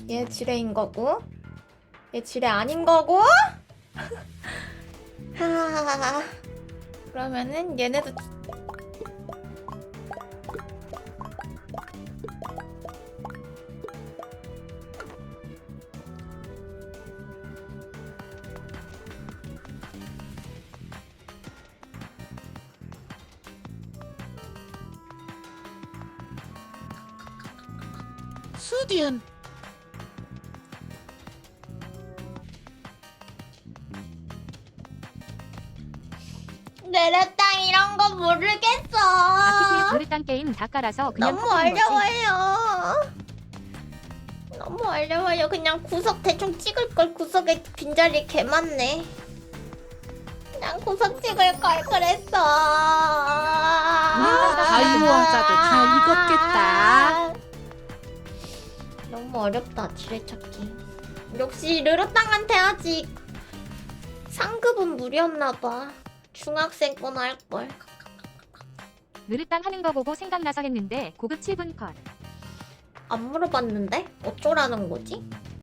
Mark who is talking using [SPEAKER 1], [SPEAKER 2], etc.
[SPEAKER 1] 얘 지뢰인 거고 얘 지뢰 아닌 거고. 하. 그러면은 얘네도
[SPEAKER 2] 수디언.
[SPEAKER 1] 느르땅 이런 거 모르겠어.
[SPEAKER 3] 아키티의 노릇단 게임 다 깔아서 그냥
[SPEAKER 1] 너무
[SPEAKER 3] 퍼뜨린 거지.
[SPEAKER 1] 어려워요. 너무 어려워요. 그냥 구석 대충 찍을 걸. 구석에 빈자리 개 많네. 그냥 구석 찍을 걸 그랬어.
[SPEAKER 2] 다이모 왕자들 다 익었겠다.
[SPEAKER 1] 너무 어렵다 지뢰찾기. 역시 르르땅한테 아직 상급은 무리였나봐. 중학생 거나 할걸.
[SPEAKER 3] 느릇당 하는 거 보고 생각나서 했는데 고급 7분 컷.
[SPEAKER 1] 안 물어봤는데? 어쩌라는 거지?